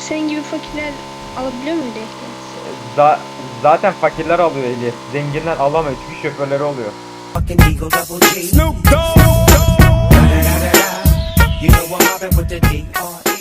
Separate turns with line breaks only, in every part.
Senin gibi fakirler alabiliyor muydu ehliyet?
Zaten fakirler alıyor ehliyet. Zenginler alamıyor çünkü şoförleri oluyor.
Snoop Dogg. You know I'm mobbing with the D.R.E.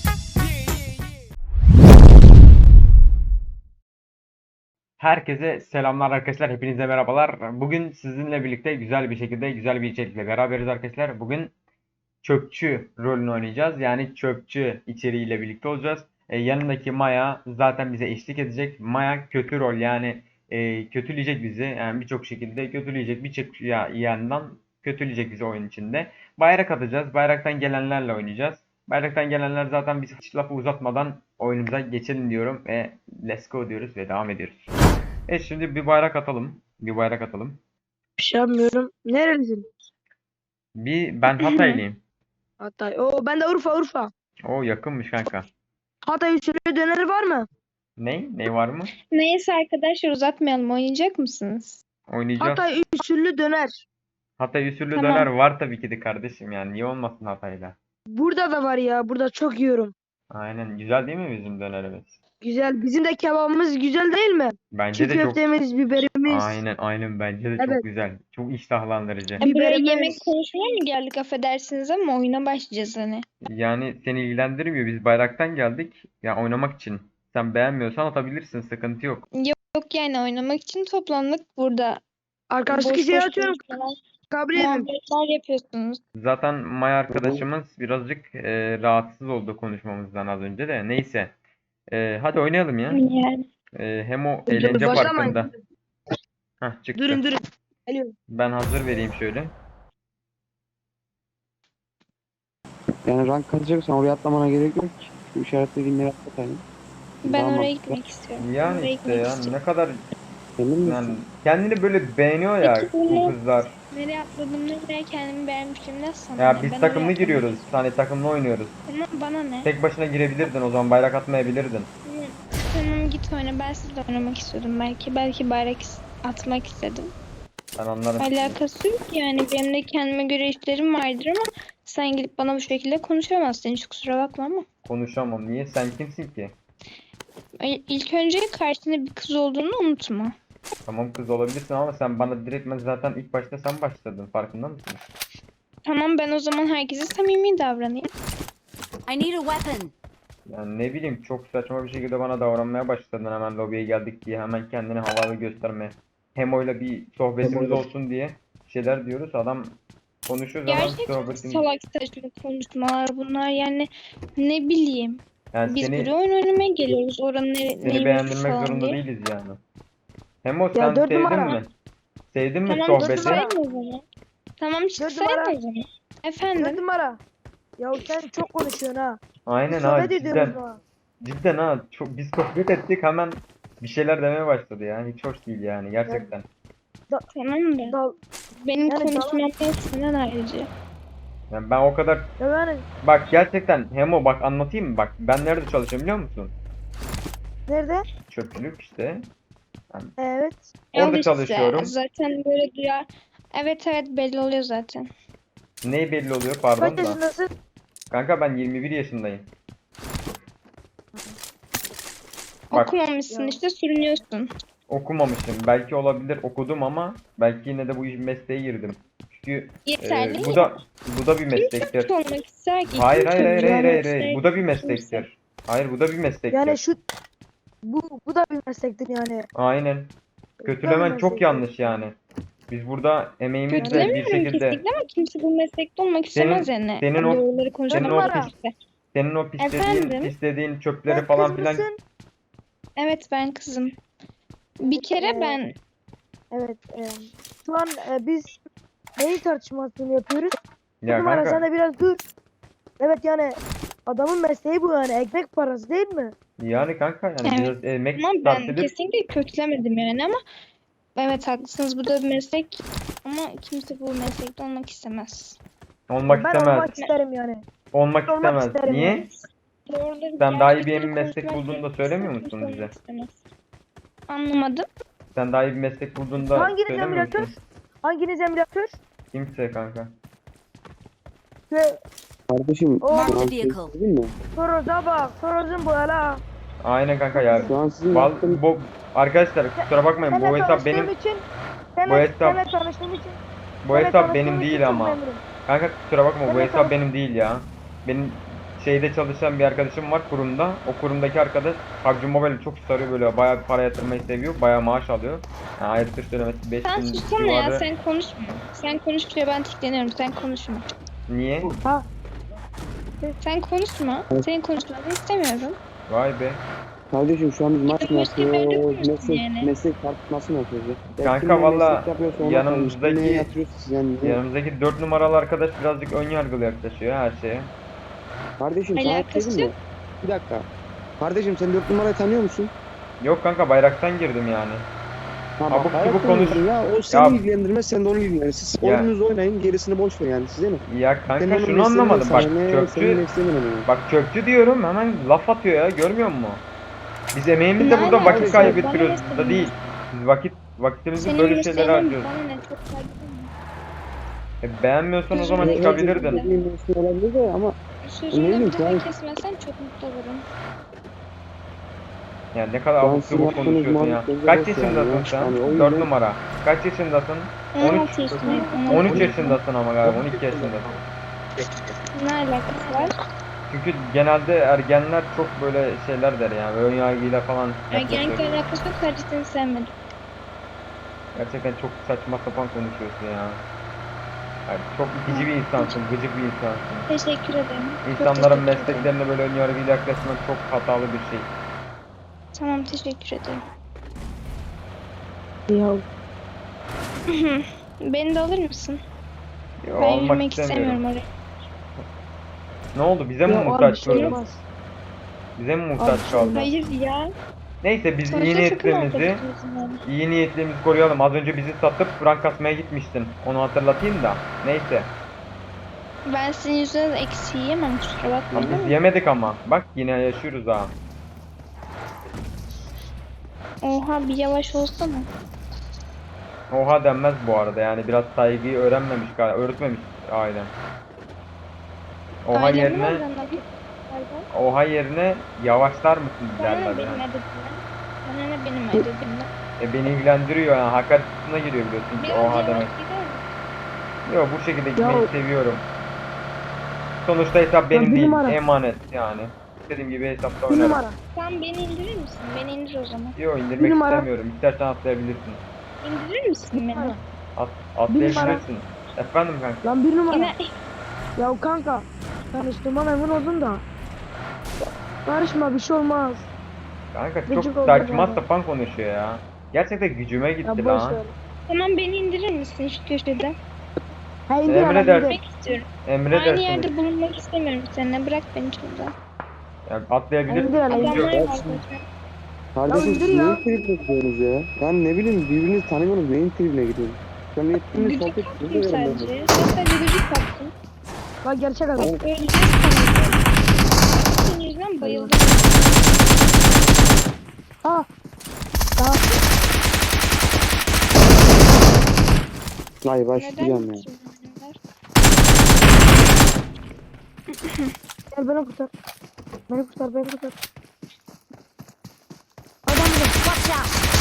Herkese selamlar arkadaşlar. Hepinize merhabalar. Bugün sizinle birlikte güzel bir şekilde güzel bir içerikle beraberiz arkadaşlar. Bugün çöpçü rolünü oynayacağız. Yani çöpçü içeriğiyle birlikte olacağız. Yanındaki Maya zaten bize eşlik edecek. Maya kötü rol yani kötüleyecek bizi. Yani birçok şekilde kötüleyecek. Birçok yandan kötüleyecek bizi oyun içinde. Bayrak atacağız. Bayraktan gelenlerle oynayacağız. Bayraktan gelenler zaten biz hiç lafı uzatmadan oyunumuza geçelim diyorum ve let's go diyoruz ve devam ediyoruz. Evet şimdi bir bayrak atalım. Bir bayrak atalım.
Bir şey yapmıyorum. Nerelisin?
Ben Hataylıyım.
Hatay. Oo, ben de Urfa.
O yakınmış kanka.
Hatay usulü döneri var mı?
Ne var mı?
Neyse arkadaşlar uzatmayalım. Oynayacak mısınız?
Oynayacağız.
Hatay usulü döner.
Hatay usulü
Tamam.
döner var tabii ki de kardeşim yani niye olmasın Hatay'da.
Burada da var ya. Burada çok yiyorum.
Aynen güzel değil mi bizim dönerimiz?
Güzel. Bizim de kebabımız güzel değil mi?
Bence
Çiğ
de çok
köftemiz, biberimiz.
aynen bence de
Evet.
çok güzel. Çok iştahlandırıcı.
Bir
Buraya
Biberimiz.
yemek konuşmaya mı geldik affedersiniz ama oyuna başlayacağız hani.
Yani seni ilgilendirmiyor. Biz bayraktan geldik. Ya oynamak için. Sen beğenmiyorsan atabilirsin. Sıkıntı yok.
Yok yani oynamak için toplandık burada.
Arkadaşlık
Boş
isteği
boş
atıyorum.
konuşmalar,
Kabul edin.
muhabbetler yapıyorsunuz.
Zaten Maya arkadaşımız birazcık rahatsız oldu konuşmamızdan az önce de. Neyse. Hadi oynayalım ya.
Yani.
Hem o
Dur,
eğlence
başlamayın.
parkında. Hah çıktı.
Durun. Geliyorum.
Ben hazır vereyim şöyle.
Yani rank kazacaksan oraya atlamana gerek yok ki. Şu işaretlediğin yere atlatayım.
Ben
Daha
oraya
mantıklı.
gitmek istiyorum.
Yani
Oraya
işte
gitmek
ya
istiyorum.
ne kadar
Emin misin?
yani kendini böyle beğeniyor ya
Peki
bu
bunu
kızlar.
nereye atladım, nereye kendimi beğenmişim ne sana
Ya
ne?
biz
Ben
takımlı
oraya
giriyoruz.
atlamak
Hani takımlı oynuyoruz.
istiyorum. Tamam bana ne?
Tek başına girebilirdin o zaman bayrak atmayabilirdin.
Tamam git oyna. Ben sizle oynamak istiyordum belki. Belki bayrak atmak istedim.
Ben anlarım.
Alakası yok yani. Benim de kendime göre işlerim vardır ama sen gidip bana bu şekilde konuşamazsın. Hiç kusura bakma ama.
Konuşamam. Niye? Sen kimsin ki?
İlk önce karşında bir kız olduğunu unutma.
Tamam kız olabilirsin ama sen bana direktmen zaten ilk başta sen başladın. Farkında mısın?
Tamam ben o zaman herkese samimi davranayım.
I need a weapon.
Yani ne bileyim çok saçma bir şekilde bana davranmaya başladın hemen lobiye geldik diye hemen kendini havalı göstermeye. Hemo'yla bir sohbetimiz olsun diye şeyler diyoruz. Adam konuşuyor zaman
Gerçekten
sohbetin.
salak saçma konuşmalar bunlar yani ne bileyim.
Yani
Biz
seni
buraya oyun oynamaya geliyoruz. Oranın
seni
neymiş
beğendirmek
falan
zorunda
diye.
değiliz yani. Hemo sen
dört
sevdin
numara.
mi? Sevdin mi
Tamam
sohbeti?
çıksaydın o zaman. Tamam çıksaydın
numara.
o zaman.
4
Efendim.
numara. Ya sen çok konuşuyorsun ha.
Aynen
Biz
ha
sohbet ediyoruz
cidden.
ha.
Cidden ha çok biz sohbet ettik hemen bir şeyler demeye başladı ya. Hiç hoş değil yani gerçekten.
Tamam da
Dal.
benim
Yani
konuşmam senden ayrıca.
Yani ben o kadar
Ya yani
bak gerçekten Hemo bak anlatayım mı? Bak ben nerede çalışıyorum biliyor musun?
nerede?
Çöpçülük işte.
Evet.
Orada
Al işte,
çalışıyorum.
zaten böyle duyar. Evet belli oluyor zaten.
Ne belli oluyor pardon
Kaç
da.
yaşındasın?
Kanka ben 21 yaşındayım. Bak
Okumamışsın
Ya.
işte sürünüyorsun.
okumamışım. Belki olabilir okudum ama belki yine de bu mesleğe girdim. Çünkü
Yeterli
bu
ya.
da bir meslektir.
Kim olmak ister ki?
Hayır
Kim
hayır hayır
çocuğu
hayır
olmak
hayır, hayır.
ister
Bu da
ki?
bir
Kimse.
meslektir. Hayır bu da bir meslektir.
Yani bu da bir meslektir yani.
Aynen. Kötülemen çok yanlış yani. Biz burada emeğimizle bir
Kötülemiyorum
şekilde
kesinlikle ama kimse bu meslekte olmak istemez yani.
senin o-
Doğruları konuşmak
senin o
gerekirse.
senin o
Efendim?
pislediğin çöpleri
Sen
falan
kız
filan
mısın?
Evet ben kızım. Bir kere ben
Evet. Şu an biz neyin tartışmasını yapıyoruz?
ya
Numara
kanka
sen de biraz dur. Evet yani adamın mesleği bu yani ekmek parası değil mi?
yani kanka yani
Evet.
biraz emek
ama
sarf
ben
edip
kesinlikle kötülemedim yani ama evet haklısınız bu da bir meslek ama kimse bu meslekte olmak istemez.
olmak
Ben
istemez.
olmak isterim yani.
Olmak
olmak
istemez.
isterim
Niye?
yani.
Doğruları
Sen daha iyi bir
gerçekleri
meslek
konuşmak
bulduğunu da
gerekirse
söylemiyor
kimse
musun
olmak
bize?
istemez. Anlamadım.
Sen daha iyi bir meslek bulduğunda
Hanginiz
söylemiyor
emülatör?
musun?
Hanginiz emülatör?
Kimse kanka.
Ve
Kardeşim
Oh.
şu an
Marked a vehicle.
değil mi?
Toroz'a bak. Toroz'un bu hala.
Aynen kanka ya.
Şu an sizin yaptığınız
Arkadaşlar kusura bakmayın, bu
Seninle
hesap
tanıştığım
benim
için.
bu hesap
Seninle tanıştığım için.
bu
seninle
hesap
tanıştığım
benim
için
değil
çok
ama.
memnunum.
Kanka kusura bakma, bu
Seninle
hesap
tanış-
benim değil ya. Benim şeyde çalışan bir arkadaşım var kurumda. O kurumdaki arkadaş PUBG Mobile'i çok sarıyor, böyle bayağı bir para yatırmayı seviyor. Bayağı maaş alıyor. Yani aylık söylemesi
Sen
5000
sussana ya,
civarı.
sen konuşma. Sen konuşunca ben tikleniyorum, sen konuşma.
Niye?
Ha.
Sen konuşma. Senin konuşmanı istemiyorum.
Vay be.
Kardeşim şu an biz maç mı
Başka bir yerde
yapıyoruz?
konuşsun yani.
Meslek tartışması mı yapıyoruz ya?
Kanka
Kim ne
valla
meslek yapıyorsa ona
yanımızdaki-
kalmış. Kim neye yatırıyorsa siz yani.
Yanımızdaki 4 numaralı arkadaş birazcık ön yargılı yaklaşıyor her şeye.
Kardeşim sana bir şey
Alakası
diyeyim mi? Bir dakika. Kardeşim sen 4 numarayı tanıyor musun?
Yok kanka, bayraktan girdim yani.
Tamam.
Abuk
hayat
subuk konuş.
konuşun ya. O seni
Ya-
ilgilendirmez, sen de onu ilgilendir. Siz
Ya.
oyununuzu oynayın, gerisini boş ver yani. Size ne?
Ya
Senin
kanka
onun
şunu
mesleğin
anlamadım,
ne
bak
sana ne,
çöpçü,
senin mesleğin önemli.
bak çöpçü diyorum hemen laf atıyor ya, görmüyor musun? Biz emeğimizle
Ne
burada
alakası
vakit
var?
kaybettiriyoruz
Bana
da
ne
değil. Biz vakitimizi
Senin
böyle şeylere
mesleğin
harcıyoruz.
bana ne, çok saygı duyuyorum.
Beğenmiyorsan o zaman
Gözünü
çıkabilirdin.
Benim mesleğim olabilir de ama Ne
Sözümde
bileyim,
bir daha
sen-
kesmezsen çok mutlu olurum.
Yani ne kadar
Ben
abuk
sizin
subuk
yaptığınız
konuşuyorsun ya.
muhabbetleri
Kaç
boş
yaşındasın
yani.
sen?
Hani o
4
yüzden-
numara. Kaç yaşındasın? 13
16 yaşındayım.
13 yaşındasın ama galiba 12 yaşındasın.
Ne alakası var?
Çünkü genelde ergenler çok böyle şeyler der yani, ön yargıyla falan
Ergenlikle
yaklaşıyor.
alakası yok, sadece seni sevmedim.
Gerçekten çok saçma sapan konuşuyorsun ya. Yani çok itici bir insansın, gıcık bir insansın.
Teşekkür ederim. Çok
İnsanların
teşekkür ederim.
mesleklerine böyle ön yargıyla yaklaşmak çok hatalı bir şey.
Tamam, teşekkür ederim.
Ya.
Beni de alır mısın?
Ya,
Ben
almak
yürümek
istemiyorum.
istemiyorum oraya.
Ne oldu? Bize mi
Ya abi bir
muhtaç
şey
kaldın?
olmaz.
Bize mi
Abi
muhtaç
bir şey
kaldın?
Hayır ya.
Neyse biz
Sonuçta
iyi
sakın
niyetlerimizi
arkadaşımızın yani.
iyi niyetlerimizi koruyalım. Az önce bizi satıp rank kasmaya gitmiştin. Onu hatırlatayım da. Neyse.
Ben sizin yüzünüzden eksi yiyemem, kusura
Ama
bakmayın
biz
ama.
yemedik ama. Bak yine yaşıyoruz ha.
Oha, bir yavaş olsana.
Oha denmez bu arada, yani biraz saygıyı öğrenmemiş galiba, öğretmemiş ailem. Oha
Ailemden
yerine
öğrendim.
oha yerine yavaşlar mısın
Bana
derler
ne benim
yani.
edebimden? Bana ne benim edebimden?
Beni ilgilendiriyor yani, hakaret kısmına giriyor biliyorsun ki
Biraz
oha
yavaş
demek.
gider mi?
Yok, bu şekilde
Ya-
gitmeyi seviyorum. Sonuçta hesap benim
bir
değil,
numara.
emanet yani. İstediğim gibi hesapta
Bir
oynarım.
numara.
Sen beni indirir misin? Beni indir o zaman.
Yok,
Bir
indirmek
numara.
istemiyorum. İstersen atlayabilirsin.
İndirir misin beni?
Atlayabilirsin. Efendim kanka.
Lan bir numara.
Yine
Ya kanka. Tanıştığıma memnun oldum da. Karışma, bir şey olmaz.
Kanka
Gıcık
çok
oldum
saçma
yani.
sapan konuşuyor ya. Gerçekten gücüme
Ya
gitti
boş
lan.
ver.
tamam, beni indirir misin şu köşede?
Ha indir hemen
Emredersin.
indir.
Gitmek istiyorum.
Emredersiniz.
Aynı yerde bulunmak istemiyorum seninle. Bırak beni şurada.
Ya atlayabilirsin.
İndir hele, indir.
Adamlar
ya
var
şimdi-
zaten.
Kardeşim
indir
siz
ya.
neyin tribine gidiyorsunuz ya? Yani ne bileyim birbirinizi tanımıyorsunuz, neyin tribine gidiyorsunuz? Sen yettiniz
Gıcık
sohbet
kaptım
ediyoruz ya.
sadece. Sen sadece gıcık kaptın.
Bak gerçek adam.
Öleceğiz sanırım. Senin yüzünden bayıldım.
Ha. Daha.
Ay
Neden
başlayacağım ya.
gittin bunlar?
Gel beni kurtar. Beni kurtar, beni kurtar. Adam burada.
Watch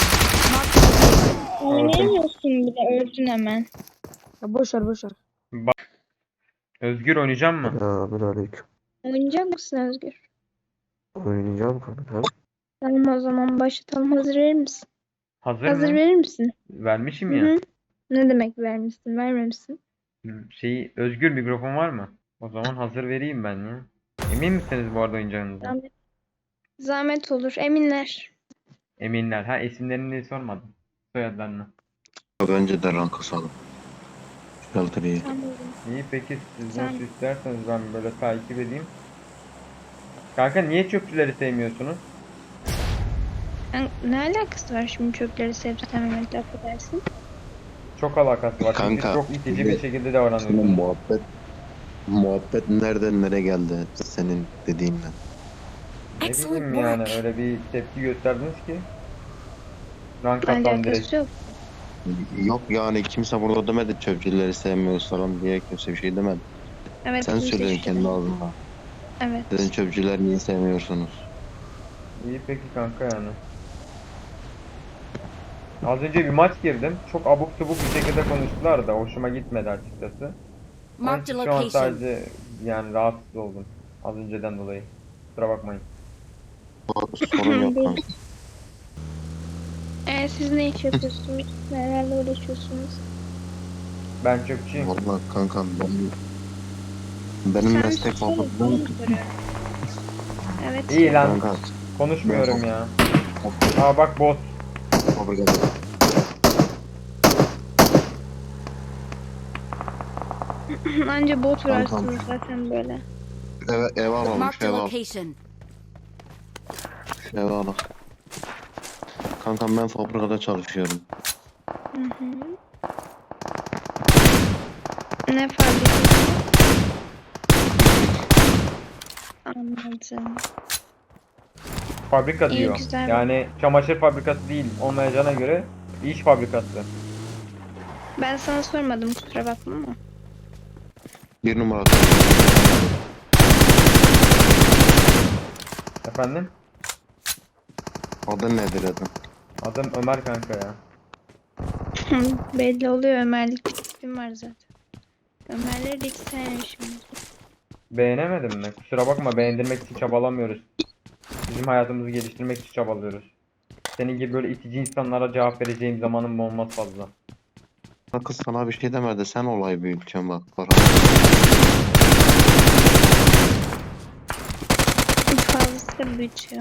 out!
Oynayamıyorsun bile, öldün hemen.
Ya boş ver, boş ver.
Özgür oynayacak mı?
Selamünaleyküm.
Oynayacak mısın Özgür?
Oynayacağım kanka.
Tamam, o zaman başlatalım. Hazır verir misin?
Hazır
Hazır
mı?
verir misin?
Vermişim
Hı
ya.
hı. Ne demek vermişsin? Vermemişsin.
Özgür mikrofon var mı? O zaman hazır vereyim ben ya. Emin misiniz bu arada oynayacağınızdan?
Zahmet, zahmet olur. Eminler.
Eminler. Ha, isimlerini sormadım. Soyadlarını.
Önceden rank kasalım. Shelter'ı.
Tamam.
İyi, peki siz
Sen-
nasıl isterseniz ben böyle takip edeyim. Kanka niye çöpçüleri sevmiyorsunuz?
Ne alakası var şimdi çöpleri sevip sevmemekle, affedersin?
Çok alakası var. Çünkü
Kanka,
çok itici
şimdi
bir şekilde
Senin
davranıyorsunuz.
muhabbet nereden nereye geldi senin dediğinden.
Ne
Excellent
bileyim yani,
work.
öyle bir tepki gösterdiniz ki. Rank atalım direkt.
Alakası yok.
Yok yani kimse burada demedi çöpçüleri sevmiyoruz falan diye kimse bir şey demedi.
Evet,
Sen
kimse
söyledin
şüphe-
kendi ağzından.
Evet.
Dedin çöpçüler niye sevmiyorsunuz?
İyi peki kanka yani. Az önce bir maç girdim. Çok abuk subuk bir şekilde konuştular da hoşuma gitmedi açıkçası. Onun
Marked
için
a
şu an
location.
sadece yani rahatsız oldum. Az önceden dolayı. Kusura bakmayın.
Sorun yok kanka.
Siz ne iş yapıyorsunuz? Nelerle uğraşıyorsunuz?
Ben çöpçüyüm.
Vallahi kankam benim
Sen
meslek
susana,
fabrikam.
sana soruyorum. Evet.
İyi lan.
Kanka
Konuşmuyorum ya. Aa bak bot.
fabrikada.
Anca bot
Tamam,
vurarsınız zaten böyle.
Eve alalım
Marked
şu
a
eve al.
location.
Şu eve al. Kankam ben fabrikada çalışıyorum.
Hı hı. Ne fabrikası? Anladım.
Fabrika
İyi,
diyor.
güzel.
Yani çamaşır fabrikası değil olmayacağına göre iş fabrikası.
Ben sana sormadım, kusura bakma ama.
Bir numara.
Efendim?
Adın nedir dedim.
Adım Ömer kanka ya.
Belli oluyor, Ömerlik bir tipim var zaten. Ömerleri de hiç sevmemişim.
Beğenemedin mi? Kusura bakma, beğendirmek için çabalamıyoruz. Bizim hayatımızı geliştirmek için çabalıyoruz. Senin gibi böyle itici insanlara cevap vereceğim zamanım olmaz fazla.
Kız sana bir şey demedi. Sen olay büyüteceksin bak.
Fazlası da büyütüyor.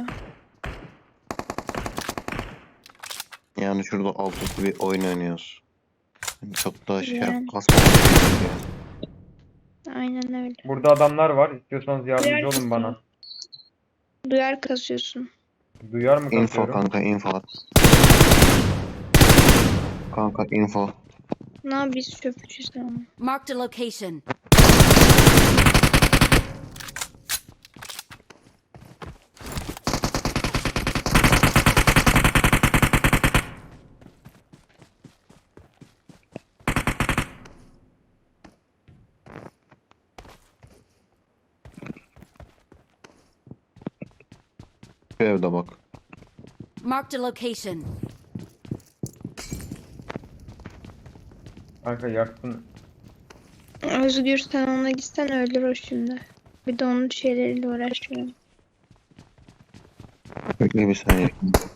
Yani şurada alt üstü bir oyun oynuyoruz. Çok da
Yani.
kasmamak gerekiyor.
Aynen öyle.
Burada adamlar var. İstiyorsanız yardımcı olun
Duyar
bana.
mısın? Duyar kasıyorsun.
Duyar mı
Info
kasıyorum?
kanka info. Kanka info.
Ne biz çöpçüyüz ama.
Marked a location.
Şu evde bak.
Marked a location.
Kanka yaktın.
Özgür, sen ona gitsen öldür o şimdi. Bir de onun şeyleriyle uğraşıyorum.
Bekle bir saniye.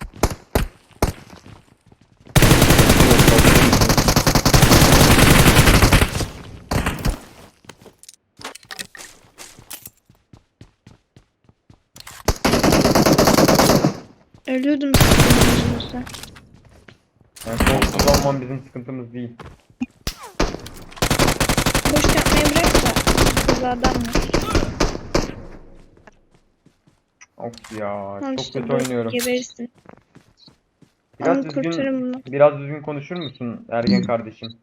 Ölüyordum sizin yüzünüzden.
Yani korkusuz olman bizim sıkıntımız değil.
Boş yapmayı bırak da. Kız adam var.
Of ya,
Al
çok
işte
kötü
bu,
oynuyorum.
geberirsin.
Biraz
Onu kurtarın
düzgün,
bunu.
biraz düzgün konuşur musun ergen kardeşim?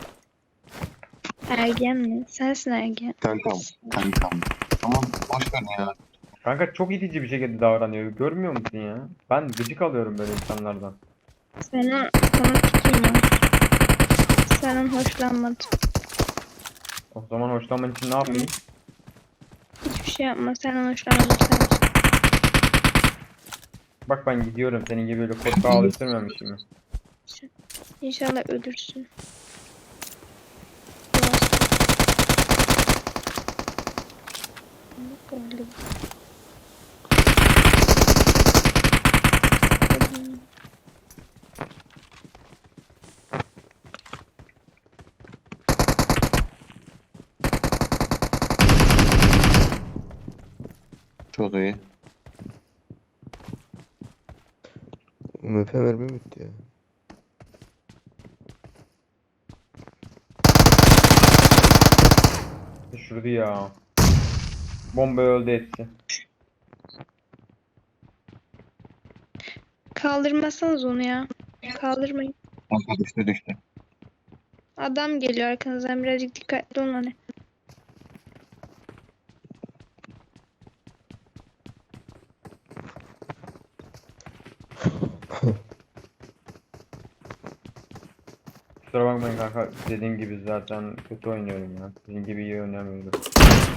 Ergen mi? Sensin ergen.
Kankam. Tamam boş ver ya.
Kanka çok itici bir şekilde davranıyor. Görmüyor musun ya? Ben gıcık alıyorum böyle insanlardan.
Sana tikim var. Senden hoşlanmadım.
O zaman hoşlanman için ne yapayım?
Hiçbir şey yapma. Senden hoşlanmadım sadece.
Bak ben gidiyorum. Senin gibi böyle korkağa alıştırmamışım.
İnşallah ölürsün. Öldüm.
Çok iyi.
MF mermi bitti ya.
Düşürdü ya. Bomba öldü hepsi.
Kaldırmasanız onu ya. Kaldırmayın.
Kanka düştü.
Adam geliyor arkanızdan, birazcık dikkatli olun hani.
Kusura bakmayın kanka. Dediğim gibi zaten kötü oynuyorum ya. Sizin gibi iyi oynamıyorum.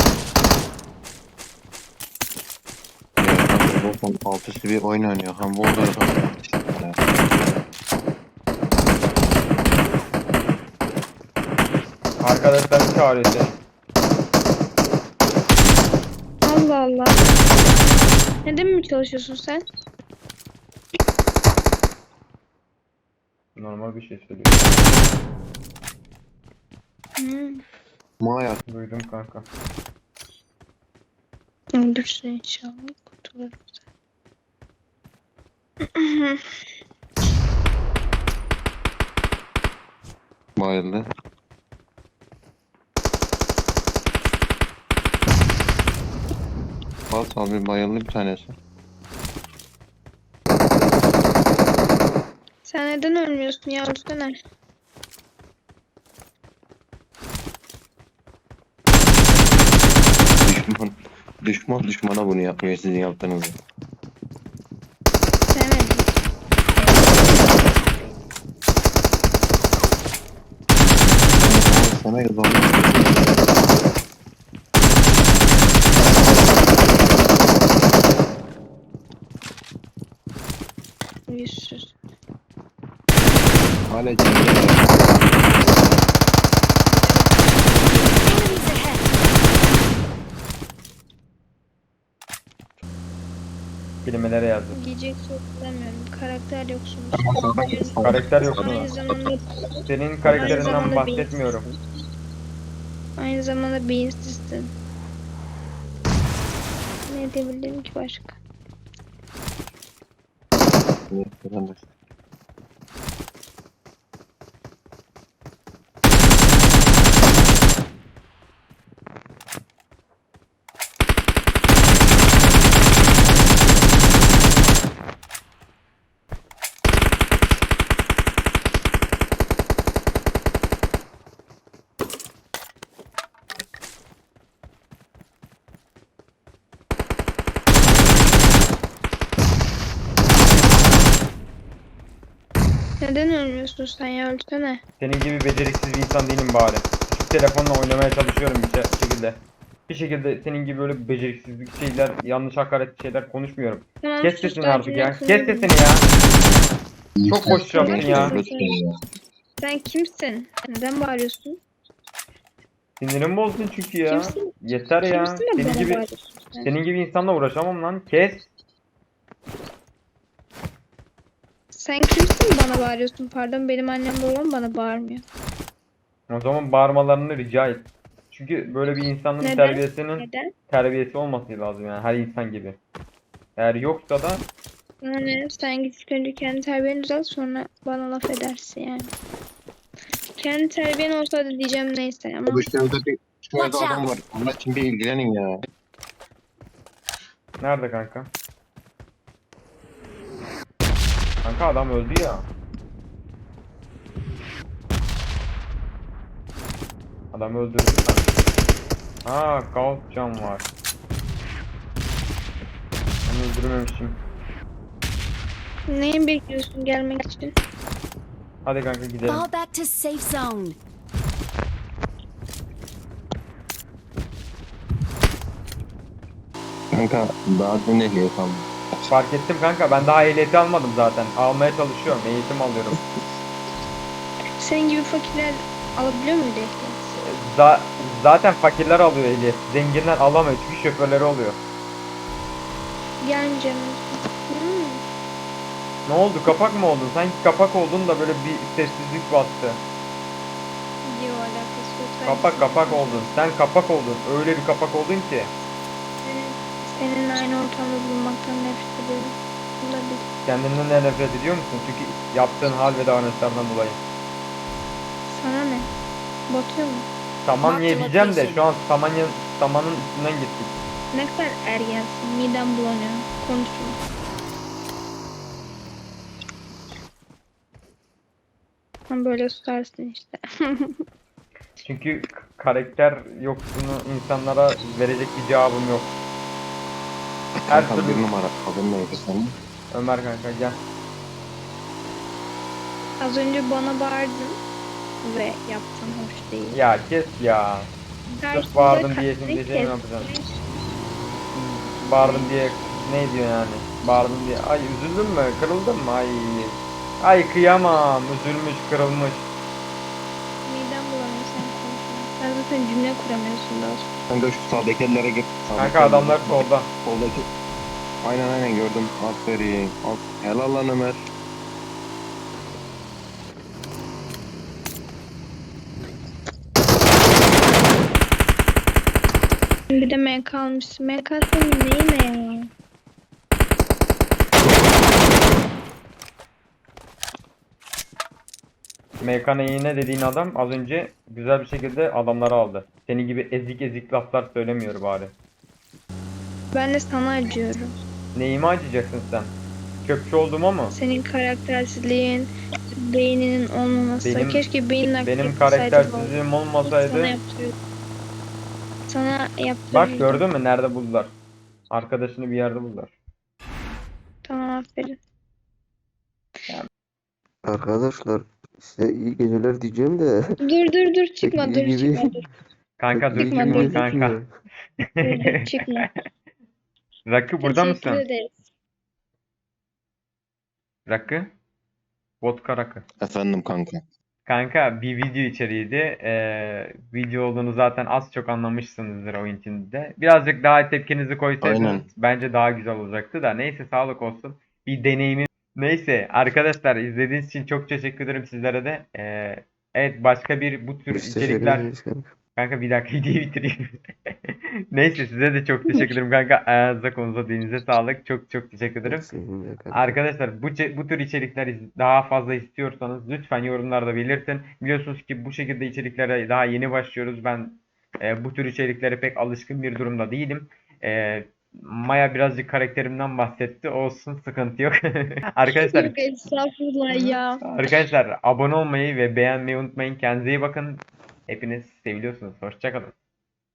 Zaten alt üstü bir oyun oynuyor. Hem bu odada da
Arkadaşlar çağırıyor seni.
Allah Allah. Neden mi çalışıyorsun sen?
Normal bir şey söylüyor.
Hmm.
Maya
Duydum kanka.
Öldürsün inşallah. Kurtulurum sen.
bayıldı. Bas abi bayıldı bir tanesi.
Sen neden ölmüyorsun ya? Ölsene.
Düşmana bunu yapmıyor sizin yaptığınızı.
Sevmedim.
Sana yazalım.
Yüzsüz.
Hala cennet.
Enemies ahead!
Kelimelere yazdım.
Giyecek söz bulamıyorum. Karakter yoksunuz.
Karakter yok mu?
Aynı zamanda
Senin karakterinden
zamanda
bahsetmiyorum.
Aynı zamanda beyinsizsin. Ne diyebilirim ki başka? Neden ölmüyorsun sen ya? Ölsene.
Senin gibi beceriksiz bir insan değilim bari. Küçük telefonla oynamaya çalışıyorum şekilde. Bir şekilde senin gibi böyle beceriksizlik şeyler, yanlış hakaret şeyler konuşmuyorum.
Tamam,
Kes
sus,
sesini
ben
artık ya.
seni
Kes
kınıyorum.
sesini ya. Çok boş yaptın ya.
Sen kimsin? Neden bağırıyorsun?
Sinirim bozdun çünkü ya.
Kimsin?
Yeter ya.
Kimsin de bana bağırıyorsun sen?
Senin gibi insanla uğraşamam lan. Kes.
Sen kimsin bana bağırıyorsun? Pardon, benim annem babam bana bağırmıyor.
O zaman bağırmalarını rica et. Çünkü böyle bir insanın
Neden?
terbiyesinin
Neden?
olması lazım yani her insan gibi. Eğer yoksa da
Yani sen git ilk önce kendi terbiyeni düzelt, sonra bana laf edersin yani. Kendi terbiyen olsa da diyeceğim neyse ama
Şurada adam var. Allah için bir ilgilenin ya.
nerede kanka? Kanka adam öldü ya. Adam öldürdü kanka. Ha, kalk can var. Ben öldürmemişim.
neyi bekliyorsun gelmek için?
Hadi kanka gidelim.
Fall back to safe zone.
Kanka daha dün ehliyet aldım.
Fark ettim kanka, ben daha ehliyeti almadım zaten. Almaya çalışıyorum, eğitim alıyorum.
Senin gibi fakirler alabiliyor muydu ehliyet?
Zaten fakirler alıyor ehliyet. Zenginler alamıyor çünkü şoförleri oluyor.
Gelmeyeceğim.
Ne oldu, kapak mı oldun? Sanki kapak oldun da böyle bir sessizlik bastı.
Yok, alakası yok.
Kapak oldun. Sen kapak oldun. Öyle bir kapak oldun ki.
Senin aynı ortamda bulunmaktan nefret ediyorum. Bunu da bil.
Kendinden de nefret ediyor musun? Çünkü yaptığın hal ve davranışlardan dolayı.
Sana ne? Batıyor mu?
Tamam
Mark
ye
the
diyeceğim de
location.
şu an samanın üstünden gittik.
Ne kadar ergensin. Midem bulanıyor. Konuşma. Sen böyle susarsın işte.
Çünkü karakter yoksunu insanlara verecek bir cevabım yok. Her
Kanka bir
türlü
numara. Adın neydi senin?
Ömer kanka gel.
Az önce bana bağırdın ve yaptın hoş değil.
Ya kes ya.
Karşımda
Sırf bağırdın diye
kalbini
şimdi şey mi
kes.
yapacaksın? Bağırdım diye ne diyor yani? Bağırdın diye. Ay üzüldün mü? Kırıldın mı? Ay. Ay kıyamam. Üzülmüş, kırılmış.
Midem bulanıyor sen konuşma. Sen zaten cümle kuramıyorsun daha sonra.
Kanka şu sağdaki ellere gir.
Kanka adamlar solda.
Soldaki. Aynen gördüm. Aferin. Helal lan Ömer.
Bir de MK almışsın. MK senin neyine ya?
MKN'ine dediğin adam az önce güzel bir şekilde adamları aldı. Senin gibi ezik ezik laflar söylemiyor bari.
Ben de sana acıyorum.
Neyime acıyacaksın sen? Çöpçü olduğuma mı?
Senin karaktersizliğin, beyninin olmaması.
Benim-
Keşke beynin aktif
Benim
olsaydı
karaktersizliğim
Sana
olmasaydı.
yaptırıyordum. Sana yaptırıyordum.
Bak gördün mü nerede buldular? Arkadaşını bir yerde buldular.
Tamam aferin.
Arkadaşlar size iyi geceler diyeceğim de.
Dur çıkma
Pek
dur
iyi gibi.
çıkma dur.
Kanka
Pek
dur
iyi
çıkma,
çıkma
gibi
kanka.
gözükmüyor.
Dur çıkma.
Rakı burada
Teşekkür
mısın?
ederiz.
Rakı? Vodka rakı.
Efendim kanka.
Kanka bir video içeriğiydi. Video olduğunu zaten az çok anlamışsınızdır oyun içinde. Birazcık daha tepkinizi koysaydınız
Aynen.
bence daha güzel olacaktı da. Neyse sağlık olsun. Bir deneyimim. Neyse arkadaşlar izlediğiniz için çok teşekkür ederim sizlere de. Evet başka bir bu tür
Biz teşekkür
içerikler.
ederiz kanka.
Kanka bir dakika videoyu bitireyim. Neyse size de çok teşekkür ederim kanka. Ayağınıza konuza dilinize sağlık. Çok teşekkür ederim.
Senin de kanka.
Arkadaşlar bu tür içerikler daha fazla istiyorsanız lütfen yorumlarda belirtin. Biliyorsunuz ki bu şekilde içeriklere daha yeni başlıyoruz. Ben bu tür içeriklere pek alışkın bir durumda değilim. Maya birazcık karakterimden bahsetti. Olsun sıkıntı yok. Arkadaşlar
Yok estağfurullah ya.
arkadaşlar abone olmayı ve beğenmeyi unutmayın. Kendinize iyi bakın. Hepiniz seviliyorsunuz. Hoşça kalın.